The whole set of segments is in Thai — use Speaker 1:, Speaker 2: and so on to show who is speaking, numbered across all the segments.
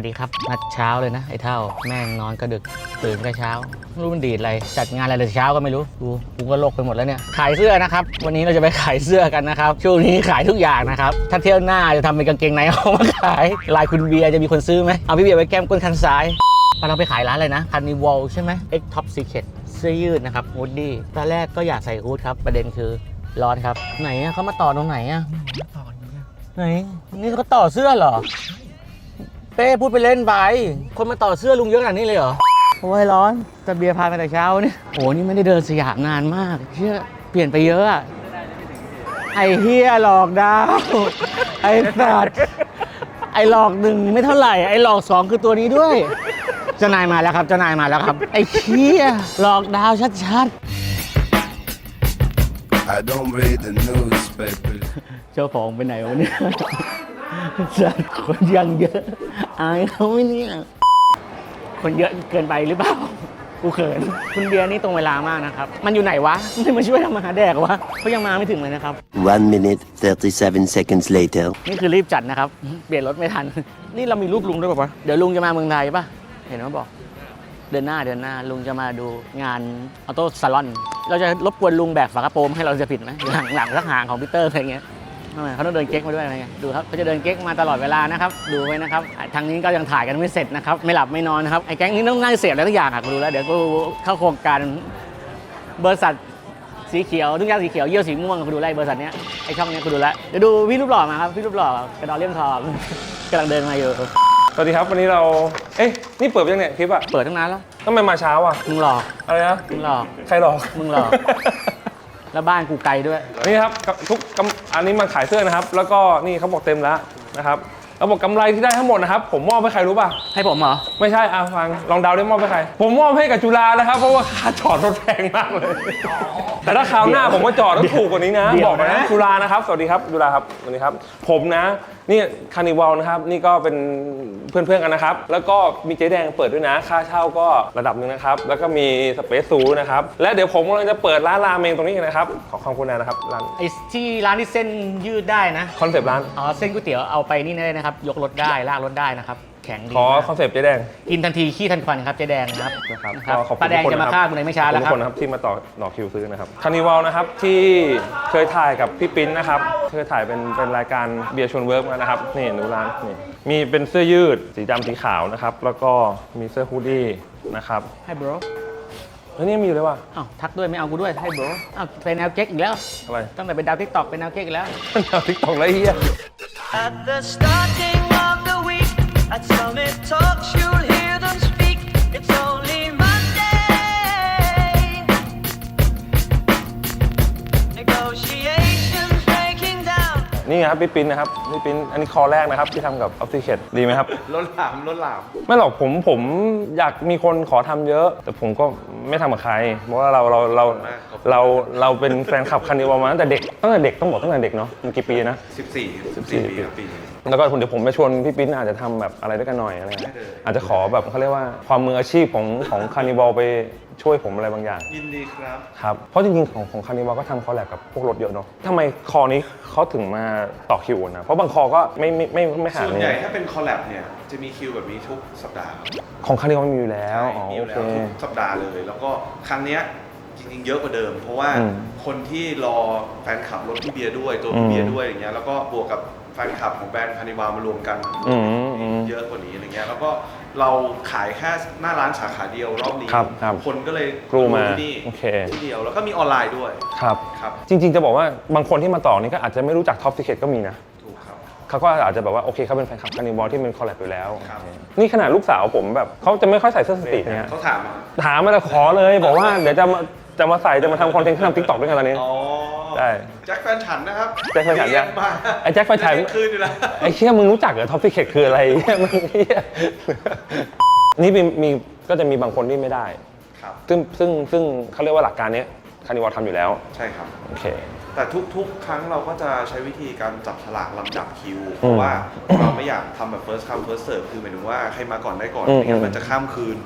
Speaker 1: วัสดีครับนัดเช้าเลยนะไอ้เท่าแม่งนอนก็ดึกตื่นก็เช้าไม่รู้มันดีดอะไรจัดงานอะไรแต่เช้าก็ไม่รู้กูก็โลกไปหมดแล้วเนี่ยขายเสื้อนะครับวันนี้เราจะไปขายเสื้อกันนะครับช่วงนี้ขายทุกอย่างนะครับถ้าเที่ยวหน้าจะทำเป็นกางเกงในเอามาขายลายคุณเบียร์จะมีคนซื้อไหมเอาพี่เบียร์ไว้แก้มก้นคันซ้ายเราไปขายร้านอะไรนะCarnivalใช่ไหม X Top Secret เสื้อยืดนะครับฮูดดี้ตอนแรกก็อยากใส่ฮูดครับประเด็นคือร้อนครับไหนอะเขามาต่อตรงไหนอะไหนนี่เขาต่อเสื้อเหรอเป้พูดไปเล่นไปคนมาต่อเสื้อลุงเยอะขนาดนี้เลยเหรอโอ้ยร้อนแต่เบียร์พามาแต่เช้าเนี่ยโอ้นี่ไม่ได้เดินสยามนานมากเชื่อเปลี่ยนไปเยอะอะไอ้เฮียหลอกดาวไอ้สัตว์ไอ้หลอกหนึ่งไม่เท่าไหร่ไอ้หลอกสองคือตัวนี้ด้วยเจ้านายมาแล้วครับเจ้านายมาแล้วครับไอ้เฮียหลอกดาวชัดๆ
Speaker 2: I don't read the newspaper
Speaker 1: เจ้าของไปไหนวะเนี่ยสัตว์คนยังเยอะอายเขาไหมเนี่ยคนเยอะเกินไปหรือเปล่ากูเขินคุณเบียร์นี่ตรงเวลามากนะครับมันอยู่ไหนวะไม่มาช่วยทำอาหารแดกวะเขายังมาไม่ถึงเลยนะครับ
Speaker 3: 1 minute 37 seconds later
Speaker 1: นี่คือรีบจัดนะครับเปลี่ยนรถไม่ทันนี่เรามีรูปลุงด้วยป่ะเดี๋ยวลุงจะมาเมืองไทยป่ะเห็นไหมบอกเดือนหน้าลุงจะมาดูงานออโต้ซาลอนเราจะรบกวนลุงแบกฝากระโปรงให้เราจะผิดไหมหลังสักหางของพีเตอร์อะไรเงี้ยทำไมเขาต้องเดินเก๊กมาด้วยอะไรเงี้ยดูครับเขาจะเดินเก๊กมาตลอดเวลานะครับดูไว้นะครับทางนี้ก็ยังถ่ายกันไม่เสร็จนะครับไม่หลับไม่นอนนะครับไอ้แก๊งนี้ต้องนั่งเสียบอะไรทุกอย่างกูดูแล้วเดี๋ยวกูเข้าโครงการบริษัทสีเขียวทุกอย่างสีเขียวเยี่ยวสีม่วงกูดูไล่บริษัทเนี้ยไอ้ช่องเนี้ยกูดูแล้วเดี๋ยวดูพี่รูปหล่อมาครับพี่รูปหล่อกระดอนเลี่ยมทองกำลังเดินมาอยู่
Speaker 4: สวัสดีครับวันนี้เรานี่เปิดยังเนี่ยคลิปอะ
Speaker 1: เปิดตั้งนานแล้ว
Speaker 4: ทำไมมาเช้าอะ
Speaker 1: มึงหลอก
Speaker 4: อะไรนะ
Speaker 1: มึงหลอก
Speaker 4: ใครหลอก
Speaker 1: มึงหลอกแล้วบ้านกูไกลด้วย
Speaker 4: นี่ครับอันนี้มาขายเสื้อนะครับแล้วก็นี่เขาบอกเต็มแล้วนะครับเราบอกกำไรที่ได้ทั้งหมดนะครับผมมอบให้ใครรู้ป่ะ
Speaker 1: ให้ผมเหรอ
Speaker 4: ไม่ใช่ฟังลองเดาได้มอบให้ใครผมมอบให้กับจุฬานะครับเพราะว่าค่าจอดรถแพงมากเลยแต่ถ้าคราวหน้าผมมาจอดต้องถูกกว่านี้นะบอกนะจุฬานะครับสวัสดีครับจุฬาครับสวัสดีครับผมนะนี่คาร์นิวัลนะครับนี่ก็เป็นเพื่อนๆกันนะครับแล้วก็มีเจ๊แดงเปิดด้วยนะค่าเช่าก็ระดับหนึ่งนะครับแล้วก็มีสเปซซูนะครับและเดี๋ยวผมกำลังจะเปิดร้านราเมงตรงนี้นะครับขอความกรุณานะครับร้าน
Speaker 1: ไอ้ที่ร้านที่เส้นยืดได้นะ
Speaker 4: คอนเซปต์ร้าน
Speaker 1: อ๋อเส้นก๋วยเตี๋ยวเอาไปนี่ได้นะครับยกรถได้ลากรถได้นะครับแข็งดี
Speaker 4: ขอคอนเซปต์เจ๊แดง
Speaker 1: กินทันทีขี้ทันควันครับเจ๊แดงนะครับ
Speaker 4: ขอบคุณ
Speaker 1: ป้าแดงจะมาฆ่าคุณในไม่ช้าแล้วครับ
Speaker 4: ทุกคนนะครับที่มาต่อคิวซื้อนะครับคาร์นิวัลนะครับที่เคยถ่ายกับพี่ปิ๊นนะครับเคยถ่ายเป็นรายการเบียร์ชวนเวิร์กมานะครับนี่ดูร้านนี่มีเป็นเสื้อยืดสีดำสีขาวนะครับแล้วก็มีเสื้อฮูดดี้นะครับ
Speaker 1: ให้บร
Speaker 4: แล้วนี่มีอยู่เลยว่ะ
Speaker 1: อ้าวทักด้วยไม่เอากูด้วยให้บรอ้าวเป็นแนวเก๊กอีกแล้ว
Speaker 4: อะไร
Speaker 1: ตั้งแต่เป็นดาวทิกตอกเป็นแนวเก๊กอีกแล้ว
Speaker 4: แนวทิกตอกไรเฮีย
Speaker 5: At the starting of the week, at Summit Talks, you'll hear them speak. It's only Monday. Negotiations breaking down.
Speaker 4: นี่ครับพี่ปิ๊นนะครับพี่ปิ๊นอันนี้คอแรกนะครับที่ทำกับออฟฟิเชตดีไหมครับ
Speaker 6: ล้นหลาม
Speaker 4: ไม่หรอกผมอยากมีคนขอทำเยอะแต่ผมก็ไม่ทำกับใครเพราะว่าเราเป็นแฟนคลับคาร์นิวัลมาตั้งแต่เด็กต้องบอกตั้งแต่เด็กเนาะมันกี่ปีนะ
Speaker 6: 14 ปี
Speaker 4: แล้วก็เดี๋ยวผมไปชวนพี่ปิ๊นอาจจะทำแบบอะไรด้วยกันหน่อยอะไรอาจจะขอแบบเขาเรียกว่าความมืออาชีพของคาร์นิวัลไปช่วยผมอะไรบางอย่าง
Speaker 6: ยินดีครับ
Speaker 4: ครับเพราะจริงๆของคาร์นิวัลก็ทำคอลแลบกับพวกรถเยอะเนาะทำไมคอนี้เขาถึงมาต่อคิวนะเพราะบางคอก็ไม่หา
Speaker 6: ส่วนใหญ่ถ้าเป็นคอลแลบเนี่ยจะมีคิวแบบนี้ทุกสัปดาห์
Speaker 4: ของคาร์นิวัลมีอยู่แล้ว
Speaker 6: มีอยู่แล้วทุกสัปดาห์เลยแล้วก็ครั้งเนี้ยจริงๆเยอะกว่าเดิมเพราะว่าคนที่รอแฟนคลับรถพี่เบียร์ด้วยตัวพี่เบียร์ด้วยอย่างเงี้ยแล้วก็บวกกับแฟนคลับของแบรนด์คาร์นิวัลมารวมกันเยอะกว่านี้อะไรเงี้ยแล้วก็เราขายแค่หน้าร้านสาขาเดียวรอบนี้คนก็เลย
Speaker 4: กรูมา
Speaker 6: ที่เดียวแล้วก็มีออนไลน์ด้วย
Speaker 4: ครับจริงๆจะบอกว่าบางคนที่มาต่อนี่ก็อาจจะไม่รู้จักท็อปซีเคทก็มีนะ
Speaker 6: ถูกครับ
Speaker 4: เขาก็อาจจะแบบว่าโอเคเขาเป็นแฟนคลับคาร์นิวัลที่เป็นคอลแลบอยู่แล้วนี่ขนาดลูกสาวผมแบบเขาจะไม่ค่อยใส่เสื้อสตรีทเนี่ย
Speaker 6: เขาถาม
Speaker 4: มาแล้วขอเลยบอกว่าเดี๋ยวจะมาใส่จะมาทำคอนเทนต์ทำทิกตอกด้วยกันตอนนี้ได้
Speaker 6: แจ็คแฟนฉันนะครับ
Speaker 4: แจ็คแฟนฉันเนี่ยไอ้แจ็คแฟนฉัน
Speaker 6: คืนอยู่แล้ว
Speaker 4: ไอ้เชี่ยมึงรู้จักเหรอท็อปซีเคทคืออะไรมึงเหี้ยนี่มีก็จะมีบางคนที่ไม่ได้ซึ่งเขาเรียกว่าหลักการนี้คาร์นิวัลทำอยู่แล้ว
Speaker 6: ใช่ครับ
Speaker 4: โอเค
Speaker 6: แต่ทุกครั้งเราก็จะใช้วิธีการจับฉลากลำดับคิวเพราะว่าเราไม่อยากทำแบบ first come first serve คือหมายถึงว่าใครมาก่อนได้ก่อนไม่งั้นมันจะข้ามคืน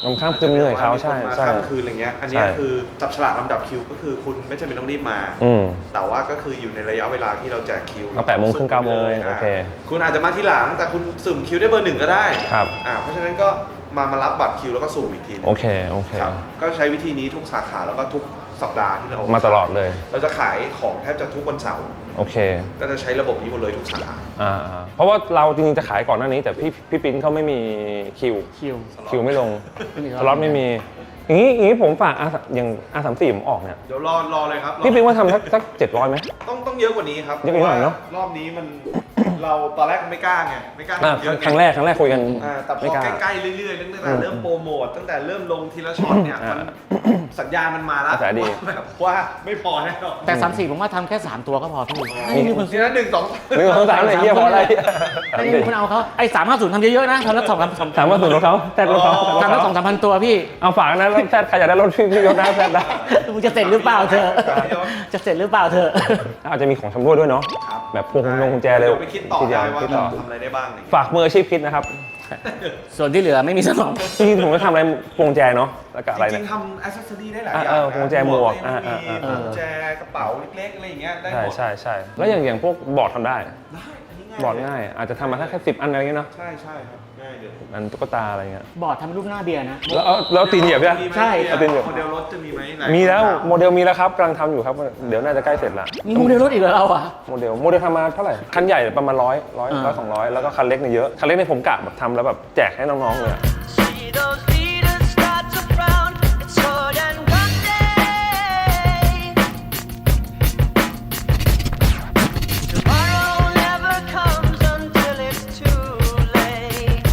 Speaker 4: มันข้ามคืนเหนื่อยเขาใช่
Speaker 6: มีคนมา
Speaker 4: ใช่
Speaker 6: ข้ามคืนอะไรเงี้ยอันเนี้ย
Speaker 4: ใช่
Speaker 6: คือจับฉลากลำดับคิวก็คือคุณไม่จำเป็นต้องรีบมา
Speaker 4: อืม
Speaker 6: แต่ว่าก็คืออยู่ในระยะเวลาที่เราแจกคิว
Speaker 4: ก็8 โมงครึ่ง 9 โมง
Speaker 6: สุ่
Speaker 4: โอเค
Speaker 6: คุณอาจจะมาที่หลังแต่คุณสุ่มคิวได้เบอร์ 1ก็ได้
Speaker 4: ครับ
Speaker 6: เพราะฉะนั้นก็มารับบัตรคิวแล้วก็สุ่มอีกทีหนึ่ง
Speaker 4: โอเคโอเค
Speaker 6: ครับก็ใช้วิธีนี้ทุกสาขาแล้วก็ทุกสัปดาห์ที่เรา
Speaker 4: มาตลอดเลย
Speaker 6: เราจะขายของแทบจะทุกวันเสาร์
Speaker 4: โอเค
Speaker 6: ก็จะใช้ระบบนี้หมดเลยทุกสาขา
Speaker 4: เพราะว่าเราจริงๆจะขายก่อนหน้านี้ แต่พี่ปิ๊นเขาไม่มีคิว คิวไม่ลง
Speaker 1: ไม่มี
Speaker 4: สล็อตไม่มีอย่างนี้ผมฝากอย่าง R34 ผมออกเนี่ย
Speaker 6: เดี๋ยวรอเลยครับ
Speaker 4: พี่ปิ๊นว่าทำสัก700ไหม
Speaker 6: ต้องเยอะกว่านี้ครับ
Speaker 4: เยอะกว่านี้หน่อยเนอะ
Speaker 6: รอบนี้มันเราตอนแรกไม่กล้าไงไม่กล้า
Speaker 4: อ่ะ
Speaker 6: ทำเยอะไ
Speaker 4: ครั้งแรกคุยกัน
Speaker 6: แต่พ
Speaker 4: ไม่
Speaker 6: อก
Speaker 4: ล้า
Speaker 6: ใกล้ๆเรื่อยๆตั้งแต่เริ่มโปรโมทตั้งแต่เริ่มลงทีละช็อตเนี่ยมันสัญญาณมันมาแล้ว
Speaker 4: กระแสดี
Speaker 6: แบบว่าไม่พอแน่นอน
Speaker 1: แต่34ผมว่าทำแค่ 3 ตัวก็พอพี่
Speaker 6: ทีละ1 2
Speaker 4: 1 2 3เลยเฮียพออะไร
Speaker 1: ไม่มีคนเอาเขาไอ้350ทำเยอะๆนะทำละ2-3
Speaker 4: ถามว่าส่วนรถเขาแซดรถเขา
Speaker 1: ทำละ2-3,000 ตัวพี่
Speaker 4: เอาฝากนะรถแซดใครอยากได้รถพี่ยกหน้าแซดได้
Speaker 1: มึงจะเสร็จหรือเปล่าเธอ จะเสร็จหรือเปล่าเธอ
Speaker 4: อาจจะมีของชำร่วยด้วยเนาะ
Speaker 6: ครับ
Speaker 4: แบบพวงกุญแจเลย
Speaker 6: ดี๋วไปคิดต่อ
Speaker 4: ทีเดีย
Speaker 6: ได้ว่า
Speaker 4: คิดต่อ
Speaker 6: ทำอะไรได้บ้างอะไรอย่างเงี้ย
Speaker 4: ฝากมืออาชีพคิดนะครับ
Speaker 1: ส่วนที่เหลือไม่มีสมอง
Speaker 4: จริงๆผมจะทำอะไรพวงกุญแจเนาะแล้วก็อะไร
Speaker 6: จ
Speaker 4: เนี่
Speaker 6: ริ
Speaker 4: ย
Speaker 6: งๆทำอ c เซสซอรี่ได้หลายอย่าง
Speaker 4: เออพวงกุญแจหมวก
Speaker 6: ได้มี
Speaker 1: เออ
Speaker 6: กุญแจกระเป๋าเล็กๆอะไรอย่างเงี้ยได้ห
Speaker 4: ใช่
Speaker 6: มด
Speaker 4: ใช่ใช่แล้วอย่างพวกบอร์ดทำได้
Speaker 6: ได้อันนี้ง่าย
Speaker 4: บอร์ดง่าย อาจจะทำมาแค่10 อันอะไรเงี้ยเนาะ
Speaker 6: ใช่ใช่ครับง่ายเลย
Speaker 4: อันตุ๊กตาอะไรเงี้ย
Speaker 1: บอร์ดทำรูปหน้าเบียร์นะ
Speaker 4: แล้วตีนเหยียบใช่ไหม
Speaker 6: มีไหม
Speaker 1: ใช่
Speaker 6: เอา
Speaker 4: เป็นแบบ
Speaker 6: โมเดลรถจะมีไหมไหน
Speaker 4: มีแล้วโมเดลมีแล้วครับกำลังทำอยู่ครับเดี๋ยวน่าจะใกล้เสร็จละ
Speaker 1: มีโมเดลรถอีกเหรอเราอ่ะ
Speaker 4: โมเดลทำมาเท่าไหร่คันใหญ่ประมาณ100 200แล้วก็คันเล็กเนี่ยเยอะคันเล็กเนี่ยผมกะแบบทำแล้วแบบแจกให้น้องๆเลยอะ
Speaker 5: See those leaders start to frown. It's sword and gun day. Tomorrow never comes until it's too late.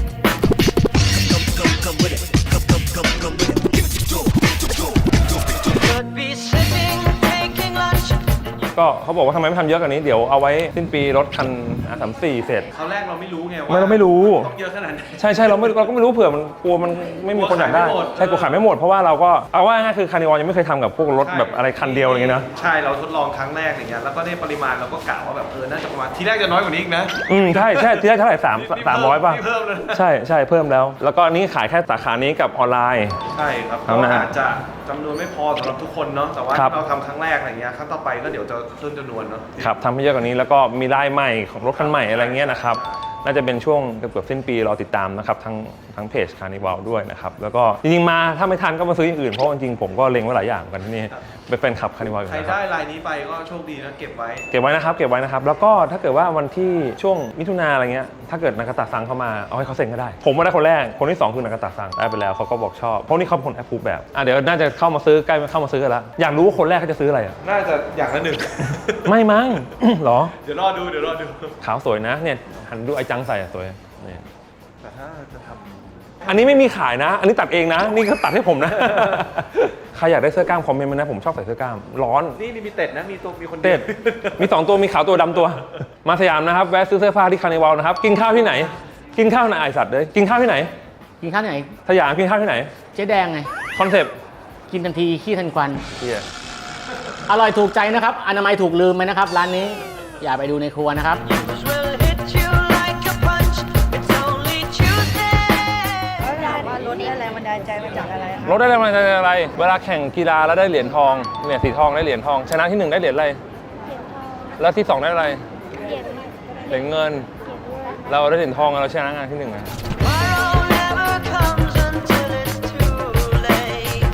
Speaker 5: Could be sitting, taking lunch.
Speaker 4: ก็เขาบอกว่าทำไมไม่ทำเยอะกว่านี้เดี๋ยวเอาไว้สิ้นปีรถคัน R34 เสร็จ
Speaker 6: คราวแรกเราไม่รู้ไง
Speaker 4: เราไม่รู้
Speaker 6: ต้องเยอะขนาดไหน
Speaker 4: ใช่เราก็ไม่รู้เผื่อมันกลัวมันไม่มีคนอยากได้
Speaker 6: กลัวขายไม่หมด
Speaker 4: ใช่กลัวขายไม่หมดเพราะว่าเราก็เอาว่าง่ายคือคาร์นิวัลยังไม่เคยทำกับพวกรถแบบอะไรคันเดียวอะไรเงี้ยนะ
Speaker 6: ใช่เราทดลองครั้งแรกอย่างเงี้ยแล้วก็ในปริมาณเราก็กะว่าแบบน่าจะประมาณทีแรกจะน้อยกว่านี้อีกนะ
Speaker 4: ใช่ที่แรกเท่าไหร่300ป่ะ
Speaker 6: นี่เพิ่มเลย
Speaker 4: ใช่เพิ่มแล้ว แล้วก็อันนี้ขายแค่สาขานี้กับออนไลน์
Speaker 6: ใช่ครับ
Speaker 4: เอา
Speaker 6: ก็
Speaker 4: นะฮะ
Speaker 6: อาจจะจำนวนไม่พอสำหรับทุกคนเนาะแต่ว่า
Speaker 4: ครับ
Speaker 6: ที่เราทำครั้งแรกอะไรเงี้ยครั้งต่อไปก็เดี๋ยวจะเพิ่มจำนวนเนาะ
Speaker 4: ครับทำให้เยอะกว่านี้แล้วก็มีลายใหม่ของรถคันใหม่อะไรเงี้ยนะครับน่าจะเป็นช่วงเกือบสิ้นปีรอติดตามนะครับทั้งเพจคาร์นิวัลด้วยนะครับแล้วก็จริงๆมาถ้าไม่ทันก็มาซื้ออย่างอื่นเพราะจริงๆผมก็เล็งไว้หลายอย่างกันที่นี่เป็นแฟนคลับคาร์นิวัลอยู่
Speaker 6: ใคร
Speaker 4: นะครับ
Speaker 6: ได้ลายนี้ไปก็โชคดีนะเก็บไว้
Speaker 4: เก็บไว้นะครับแล้วก็ถ้าเกิดว่าวันที่ช่วงมิถุนาอะไรเงี้ยถ้าเกิดนากาตะซังเข้ามาเอาให้เขาเซ็นก็ได้ ผมมาได้คนแรกคนที่2คือนากาตะซังได้ไปแล้วเขาก็บอกชอบเพราะนี่เขาเป็นคนแอปพูแบบเดี๋ยวน่าจะเข้ามาซื้อใกล้เข้ามาซื้อกันแล้วอยากรู้ว่าคนแรกเขาจะซื้ออะไรอ่ะ
Speaker 6: น่าจะอย่างละหนึ่ง
Speaker 4: ไม่มั้ง เหรอ
Speaker 6: เดี๋ยวรอดู
Speaker 4: ขาวสวยนะเนี่ยหันดูไอ้จังใส่อะสวยนี่
Speaker 6: แต่ถ้าจะท
Speaker 4: อันนี้ไม่มีขายนะ อันนี้ตัดเองนะ นี่เขาตัดให้ผมนะ ใครอยากได้เสื้อกล้ามคอมเมนต์มานะผมชอบใส่เสื้อกล้ามร้อน
Speaker 6: ำนี่ลิมิเต็ดนะมีคน
Speaker 4: เต็ดมี2ตัวมีขาวตัวดำตัว มาสยามนะครับแวะซื้อเสื้อผ้าที่คาร์นิวัลนะครับกินข้าวที่ไหน กินข้าวไหนไอสัตว์เลยกินข้าวที่ไหน
Speaker 1: กินข้าวไหน
Speaker 4: สยามกินข้าวที่ไหน
Speaker 1: เจ๊แดงไง
Speaker 4: คอนเซปต์
Speaker 1: กินทันทีขี้ทันควัน
Speaker 4: เฮีย
Speaker 1: อร่อยถูกใจนะครับอนามัยถูกลืมไหมนะครับ ร้านนี้อย่าไปดูในครัวนะครับ
Speaker 5: Will hit you like a punch. It's only Tuesday.
Speaker 7: เขาถามว่ารถได้แรงบันดาลใจมาจากอะไรคะ
Speaker 4: รถได้แรงบันดาลใจอะไร เวลาแข่งกีฬาแล้วได้เหรียญทองเนี่ยสีทองได้เหรียญทอง ชนะที่ 1 ได้เหรียญอะไร แล้วที่ 2 ได้อะไร เหรียญเงิน เราได้เหรียญทองเราชนะงานที่1ไง
Speaker 5: Tomorrow never comes until it's too late.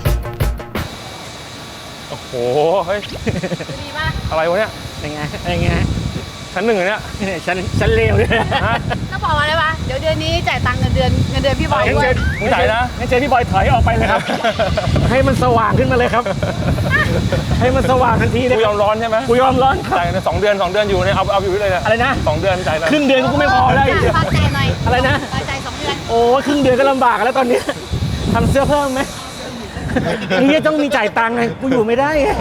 Speaker 4: โอ้โห เฮ้ย อะไรวะเนี่ย
Speaker 1: เป็นไงเป็นไง
Speaker 4: ชั้นหนึ่งเลยเนี่ย
Speaker 1: ฉันเลวเลย
Speaker 4: ฮะ
Speaker 7: ก็บอกมาเลยว่าเดี๋ยวเดือนนี้จ่ายตังค์เงินเดือนพี่บอยด้วย
Speaker 4: มึงจ่ายนะ
Speaker 1: งั้นเจพี่บอยถอยออกไปเลยครับ ให้มันสว่างขึ้นมาเลยครับ ให้มันสว่างทันทีเลย
Speaker 4: กูยอมร้อนใช่ไหม
Speaker 1: กูยอมร้อนครับ
Speaker 4: จ่ายใน2 เดือนอยู่เนี่ยเอาอยู่เลยเนี่ย
Speaker 1: อะไรนะ
Speaker 4: 2 เดือนจ่ายนะ
Speaker 1: ครึ่งเดือนกูไม่พอได้
Speaker 7: ฝากจ่ายหน่อย
Speaker 1: อะไรนะ
Speaker 7: ฝากจ่าย2 เดือน
Speaker 1: โอ้ครึ่งเดือนก็ลำบากแล้วตอนนี้ทำเสื้อเพิ่มไหมนี่ต้องมีจ่ายตังค์ไงกูอยู่ไม่ได้ไง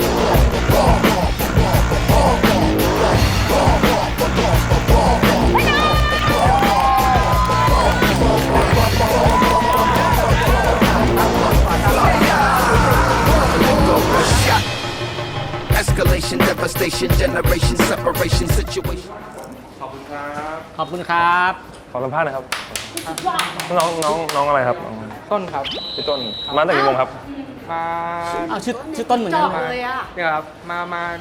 Speaker 8: Escalation, devastation, generation, separation, situation.
Speaker 6: ขอบคุณครับ
Speaker 1: ขอบคุณครับ
Speaker 4: ขอสัมภาษณ์หนะครับน้องอะไรครับ
Speaker 8: ต้นครับ
Speaker 4: พี่ต้นมาตั้งแต่กี่โมงครับ
Speaker 8: มา
Speaker 1: อ้าวชื่อต้นเหมือน
Speaker 7: จ
Speaker 1: กัน
Speaker 7: อบเลยอ่ะ
Speaker 8: เนี่ยครับมาประมาณ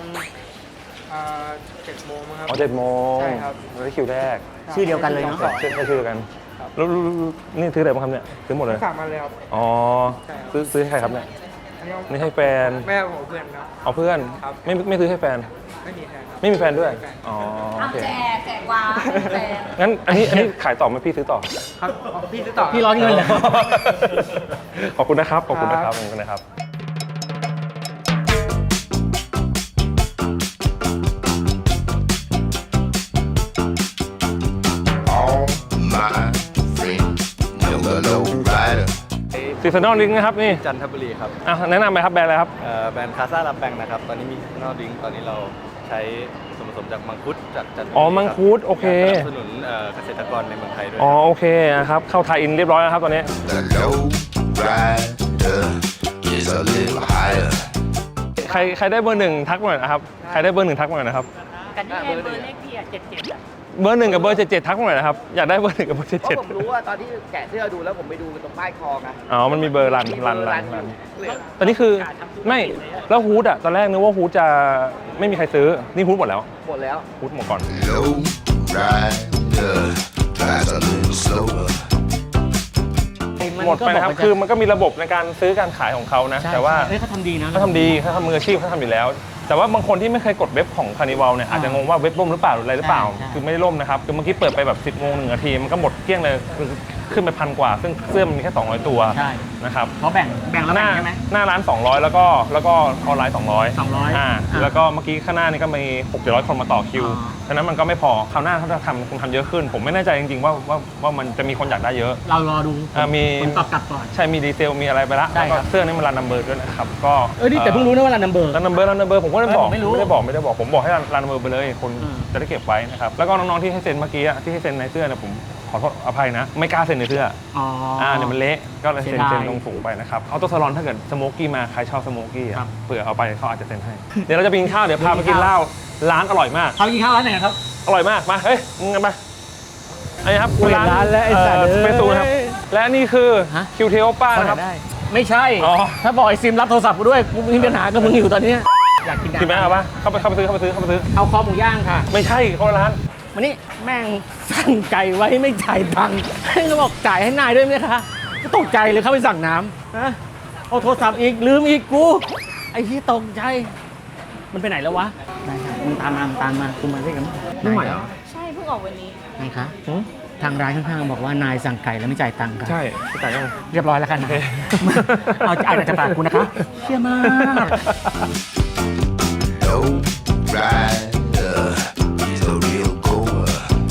Speaker 8: 7 โมงมั้งครับ
Speaker 4: อ๋อ7 โมง
Speaker 8: ใช่ครับ
Speaker 4: แล้วคิวแรก
Speaker 1: ชื่อเดียวกันเลยเนาะ
Speaker 4: ชื่อกันแล้วนี่ซื้ออะไรบ้างครับเนี่ยซื้อหมดเลย
Speaker 8: ฝากมาเลยครับ
Speaker 4: อ๋อ
Speaker 8: ใช่ครับ
Speaker 4: ซื้อให้ใครครับเนี่ย
Speaker 8: อันนี้
Speaker 4: นี่ให้แฟน
Speaker 8: แม่ของเพื่อนครับ
Speaker 4: เอาเพื่อน
Speaker 8: ครับ
Speaker 4: ไม่ซื้อให้แฟน
Speaker 8: ไม่มีแฟนครับ
Speaker 4: ไม่มีแฟนด้วย
Speaker 8: ไม่มีแฟน
Speaker 4: อ๋อโอเค
Speaker 7: แจกวาแจก
Speaker 4: งั้นอันนี้ขายต่อไหมพี่ซื้อต่อ
Speaker 8: ครับอ๋อพี่ซื้อต่อ
Speaker 1: พี่ร้อนเงินเลย
Speaker 4: ขอบคุณนะครับ ขอบคุณนะครับ
Speaker 8: ครับ
Speaker 4: ขอบคุณนะครับ
Speaker 2: All my friends know the low rider.
Speaker 4: ซีซันนอลดิ้งนะครับนี่
Speaker 9: จันทบุรีครับ
Speaker 4: แนะนำไหมครับแบรนด์อะไรครับ
Speaker 9: แบรนด์คาซาลาแปงนะครับ ตอนนี้มีซีซันนอลดริงก์ตอนนี้เราใช้ส่วนผสมจากมังคุดจากจันทบุรี
Speaker 4: อ๋อมังคุด
Speaker 9: รับ
Speaker 4: โอเค
Speaker 9: สนับสนุนเกษตรกรในเมืองไทยด้วย
Speaker 4: อ๋อโอเคนะครับ เข้าไทยอินเรียบร้อยแล้วครับตอนนี้
Speaker 2: The low rider is a little higher.
Speaker 4: ใครได้เบอร์หนึ่งทักมาหน่อยนะครับ ใครได้เบอร์หนึ่งทักมาหน่อยนะครับ
Speaker 7: กันที่เบอร์เลขที่อ่ะ77อ่ะ
Speaker 4: เบอร์หนึ่งกับเบอร์77ทักมาหน่อยนะครับ อยากได้เบอร์หนึ่งกับเบอร์
Speaker 10: เพราะผมรู้ว่าตอนที่แกะเสื้อดูแล้วผมไปดูตรงป้ายคอไง
Speaker 4: 77อ๋อ มันมีเบอร์รัน
Speaker 10: มีเบอร์รันอยู่เลย
Speaker 4: ตอนนี้คือไม่แล้วฮูดอะตอนแรกนึกว่าฮูดจะไม่มีใครซื้อ นี่ฮูดหมดแล้ว
Speaker 10: หมดแล้ว
Speaker 4: ฮูดหมดก่อน
Speaker 2: Low rider drives a little slower.
Speaker 4: หมดไปนะครับ คือมันก็มีระบบในการซื้อการขายของเขานะ แต่ว่า
Speaker 1: เฮ้ยเขาทำดีนะ
Speaker 4: เขาทำดีเขาทำมืออาชีพเขาทำอยู่แล้ว แต่ว่าบางคนที่ไม่เคยกดเว็บของคานิวัลเนี่ยอาจจะงงว่าเว็บล่มหรือเปล่าหรืออะไรหรือเปล่า
Speaker 1: ใช่
Speaker 4: คือไม่ได้ล่มนะครับ คือเมื่อกี้เปิดไปแบบ10 โมง 1 นาที มันก็หมดเกลี้ยงเลยคือขึ้นไป1,000 กว่า ซึ่งเสื้อมันมีแค่ 200 ตัว
Speaker 1: ใช่
Speaker 4: นะครับ
Speaker 1: เขาแบ่งแล้ว
Speaker 4: ห
Speaker 1: แบ่
Speaker 4: น้าง
Speaker 1: ใช่ไหม
Speaker 4: หน้าร้าน 200 แล้วก็ออนไลน์ 200
Speaker 1: 200
Speaker 4: อ่าแล้วก็เมื่อกี้ข้างหน้านี่ก็มี600 คนมาต่อคิว
Speaker 1: อ๋อ
Speaker 4: ฉะนั้นมันก็ไม่พอคราวหน้าถ้าจะทำคงทำเยอะขึ้น ผมไม่แน่ใจจริงๆว่ามันจะมีคนอยากได้เยอะ
Speaker 1: เรารอดู
Speaker 4: มี
Speaker 1: ผลตอบกลับก่อน
Speaker 4: ใช่มีดีเซลมีอะไรไปละ
Speaker 1: ใช่
Speaker 4: แล้ว
Speaker 1: ครั
Speaker 4: ก็
Speaker 1: บ
Speaker 4: เสื้อนี่มันรันนัมเบอร์ด้วยนะครับก็
Speaker 1: นี่แต่เพิ่งรู้นะว่ารันนัมเบอร์
Speaker 4: รันนัมเบอร์ผมก็ไม่ได้บอก
Speaker 1: ผมไม่รู้
Speaker 4: ไม่ได้บอกผมบอกให้รันนัมเบอร์ไปเลยคน
Speaker 1: อืม
Speaker 4: จะได้เก็บไว้นะครับแล้วก็น้องๆที่ให้เซ็นเมื่อกี้อะที่ให้เซ็นในเสื้อเนี่ยผมขอโทษอภัยนะ ไม่กล้าเซ็นในเสื้อ
Speaker 1: อ๋อ
Speaker 4: เดี๋ยวมันเละก็เลย
Speaker 1: เสี
Speaker 4: เซ็
Speaker 1: ย
Speaker 4: น
Speaker 1: ดาย
Speaker 4: เซ็นลงถุงไปนะครับเอาตัวสลอนถ้าเกิดสโมกกี้มาใครชอบสโมกกี้
Speaker 1: ครับ
Speaker 4: เผื่อเอาไปเขาอาจจะเซ็นให้ เดี๋ยวเราจะไปกินข้าวเดี๋ยวพาไปกินเหล้าร้านอร่อยมาก
Speaker 1: เขากินข้าวร้านไหนครับ
Speaker 4: อร่อยมากมาเฮ้ยมึงกันไปอันนี้ครับ
Speaker 1: เปิดร้านแล้วไอ้สัตว์
Speaker 4: สเปซูนะครับและนี่คือ
Speaker 1: ฮะ
Speaker 4: คิวเทโอป้านะครับ
Speaker 1: ได้ ไม่ใช่
Speaker 4: อ๋อ
Speaker 1: ถ้าบอกไอ้ซิมรับโทรศัพท์กูด้วย กูมีปัญหากับมึงอยู่ตอนเนี้ยอยากกิน
Speaker 4: กินไหมเอาปะเข้าไปซื้อ
Speaker 1: เอาคอหมูย่างค่ะ
Speaker 4: ไม่ใช่เขาร้าน
Speaker 1: วันนี้แม่งสั่งไก่ไว้ไม่จ่ายตังค์แม่งก็บอกจ่ายให้นายด้วยไหมคะก็ตกใจเลยเข้าไปสั่งน้ำนะเอาโทรศัพท์อีกลืมอีกกู ไอ้ที่ตกใจ มันไปไหนแล้ววะนายมึงตามมากูมาด้วยกัน
Speaker 4: ไม่ไหวเหรอ
Speaker 7: ใช่เพิ่งออกวันนี้
Speaker 1: นายคะทางร้านข้างๆบอกว่านายสั่งไก่แล้วไม่จ่ายตังค์ค่ะ
Speaker 4: ใช่พี่จ่ายยัง
Speaker 1: เรียบร้อยแล้วค่ะนายเอาอ่านจากปากกูนะคะเชี่ยมาก
Speaker 2: Low rider is a real goer.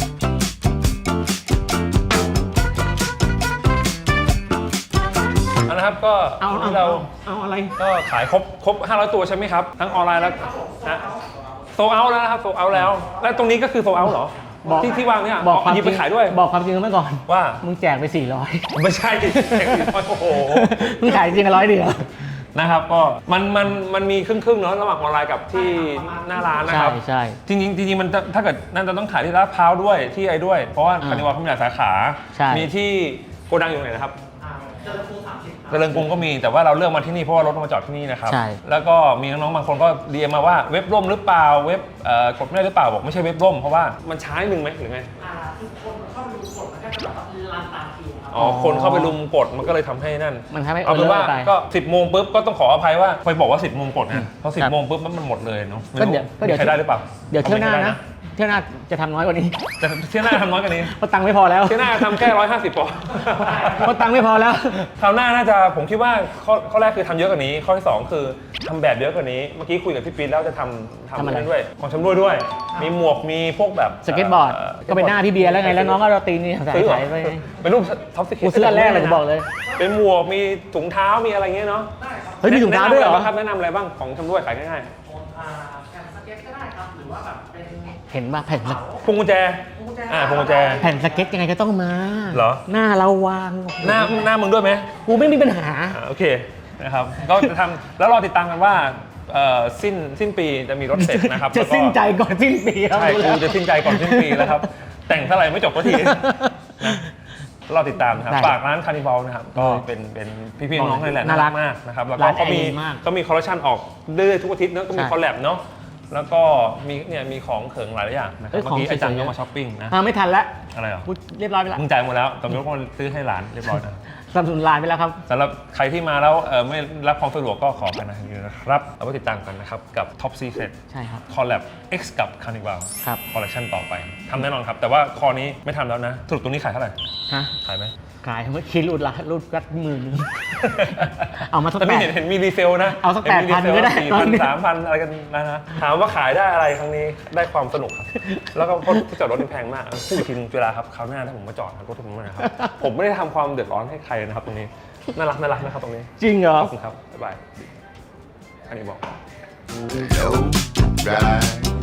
Speaker 4: เอานะครับก็
Speaker 1: เอา
Speaker 4: วันนี้เรา
Speaker 1: อะไร
Speaker 4: ก็ขายครบ500 ตัวใช่ไหมครับ ทั้งออนไลน์แล้วนะโซเอาแล้วนะครับโซเอาแล้ว แล้วตรงนี้ก็คือโซเอาเหรอ
Speaker 1: บอก
Speaker 4: ที่วางเนี่ย
Speaker 1: บอกความ
Speaker 4: หยิบ
Speaker 1: จ
Speaker 4: ไป
Speaker 1: ริง
Speaker 4: ขายด้วย
Speaker 1: บอกความจริงกันเมื่อก่อน
Speaker 4: ว่า
Speaker 1: มึงแจกไป400
Speaker 4: ไม่ใช่โอ้โห
Speaker 1: มึงขายจริงกัน100เดียว
Speaker 4: นะครับก็มันมีครึ่งๆเนาะระหว่างออนไลน์กับที่หน้าร้านนะครับ
Speaker 1: ใช่
Speaker 4: จริงๆมันถ้าเกิดนั่นจะต้องขายที่ลาดพร้าวด้วยที่ไอ้ด้วย เพราะว่าคานิวัลเขามีหลายสาขา
Speaker 1: ใช่
Speaker 4: มีที่โกดังอยู่ไหนนะครับเจริญกรุงก็มีแต่ว่าเราเลือกมาที่นี่เพราะว่ารถมาจอดที่นี่นะครับ
Speaker 1: ใช่
Speaker 4: แล้วก็มีน้องๆบางคนก็เรียนมาว่าเว็บล่มหรือเปล่าเว็บกดไม่ได้หรือเปล่าบอกไม่ใช่เว็บล่มเพราะว่ามันช้านิดนึงไหมหรือไงอ๋อคนเข้าไปรุมกดมันก็เลยทำให้นั่น
Speaker 1: มันทำให้
Speaker 4: เอาเป็นว่า
Speaker 1: ไป
Speaker 4: ก็ 10 โมงปุ๊บก็ต้องขออภัยว่าไปบอกว่า 10 โมงกด
Speaker 1: อืม
Speaker 4: นะเพราะ
Speaker 1: ครับ
Speaker 4: 10 โมงปุ๊บมันหมดเลยเนาะไม่
Speaker 1: ก็
Speaker 4: รู้
Speaker 1: เดี๋ยว
Speaker 4: มีใครได้หรือเปล่า
Speaker 1: เดี๋ยวเที่ยวหน้า
Speaker 4: คอมม
Speaker 1: นะ
Speaker 4: ต์
Speaker 1: เที่ยวหน้าจะทำน้อยกว่านี้
Speaker 4: แต่เที่ยวหน้าทำน้อยกว่านี้
Speaker 1: เพราะตังค์ไม่พอแล้ว
Speaker 4: เที่ยวหน้าทำแค่150พอ
Speaker 1: เพราะตังค์ไม่พอแล้ว
Speaker 4: คราวหน้าน่าจะผมคิดว่าข้อแรกคือทำเยอะกว่านี้ ข้อที่ 2 คือทำแบบเยอะกว่านี้เมื่อกี้คุยกับพี่ปีนแล้วจะทำ
Speaker 1: ทำอะไร
Speaker 4: นั่นด้วยของชำร่วยด้วย มีหมวกมีพวกแบบ
Speaker 1: สเก็ตบอร์ด ก็เป็นหน้าพี่เบียร์แล้วไง แล้วน้องก็เราตีนี่ใส่
Speaker 4: ซื้อเหรอ
Speaker 1: ใส่ไป
Speaker 4: เป็นรูปท็อปสเก็ต
Speaker 1: กูซื้ออันแรกเลยจะบอกเลย
Speaker 4: เป็นหมวกมีถุงเท้ามีอะไรเงี้ยเนาะ
Speaker 1: เฮ้ยมีถุงเท้าด้วยเหรอ
Speaker 4: แนะนำอะไรบ้างของชำร่วยขายง่าย
Speaker 1: เห็นป่ะแผ่นส
Speaker 4: ๆพวงกุญแจพวงกุญแจ
Speaker 1: แผ่นสเก็ตยังไงก็ต้องมา
Speaker 4: เหรอ
Speaker 1: หน้าเราวาง
Speaker 4: หน้ามึงด้วยไหม
Speaker 1: กูไม่มีปัญหา
Speaker 4: โอเคนะครับก็จะทำแล้วรอติดตามกันว่าสิ้นปีจะมีรถเสร็จนะครับ
Speaker 1: จะ
Speaker 4: แล้วก็
Speaker 1: สิ้นใจก่อนสิ้นปีครับ
Speaker 4: ใช่กูจะสิ้นใจก่อนสิ้นปีแล้วครับ แต่งเท่าไหร่ไม่จบก็ทีนะเราติดตามนะครับ
Speaker 1: ได้
Speaker 4: ฝากร้านคาร์นิวัลนะครับก็เป็นพี่ๆน้องๆเลยแหละ
Speaker 1: น่ารัก
Speaker 4: มากนะครับแล้วก็
Speaker 1: ร้าน
Speaker 4: เขามี
Speaker 1: แอร์ดีมาก
Speaker 4: ก็มีคอลเลคชันออกเรื่อยๆทุกอาทิตย์เนอะก็มี
Speaker 1: ใช่
Speaker 4: คอลแลบเนาะแล้วก็มีเนี่ยมีของเขิงหลายอย่างนะครับ
Speaker 1: เอ้ย
Speaker 4: เมื่อกี้
Speaker 1: ของ
Speaker 4: อาจารย์
Speaker 1: สวยๆ
Speaker 4: ก็มาช้อปปิ้งนะ
Speaker 1: ไม่ทันแล้ว
Speaker 4: อะไรเหรอ
Speaker 1: พูดเรียบร้อยไปแล้ว
Speaker 4: มึงจ่ายหมดแล้วตำรวจก็ซื้อให้หลานเรียบร้อยนะ
Speaker 1: สนับสนุนร้านไปแล้วครับ
Speaker 4: สำหรับใครที่มาแล้วไม่รับความสะดวกก็ขอกันนะครับเอาไว้ติดตามกันนะครับกับ Top Secret
Speaker 1: ใช่ครับ
Speaker 4: Collab X กับ Carnival
Speaker 1: ครับ
Speaker 4: คอลเลคชันต่อไปทำแน่นอนครับ แต่ว่าคอนี้ไม่ทำแล้วนะสรุปตรงนี้ขายเท่าไหร่
Speaker 1: ฮะ
Speaker 4: ขายไหม
Speaker 1: ขายเมื่อกี้รูดกัดมือนึง เอามาสัก
Speaker 4: แต่
Speaker 1: แป
Speaker 4: ไม่
Speaker 1: ด
Speaker 4: เห็นมีรีเซลนะ
Speaker 1: เอาสัก
Speaker 4: ห็มีรีซล
Speaker 1: 8,000ก็ได้
Speaker 4: 4,000 3,000 อะไรกันนะถามว่าขายได้อะไรครั้งนี้ได้ความสนุกครับ แล้วก็ที่จอดรถนี่แพงมากพูดอีกทีนึงเวลาครับคราวหน้าถ้าผมมาจอดรถผมนะครับ ผมไม่ได้ทำความเดือดร้อนให้ใครนะครับตรงนี้น่ารักนะครับตรงนี้
Speaker 1: จริงเหรอ
Speaker 4: ขอบคุณครับบ๊ายบายอันนี้บอก
Speaker 2: Low ride.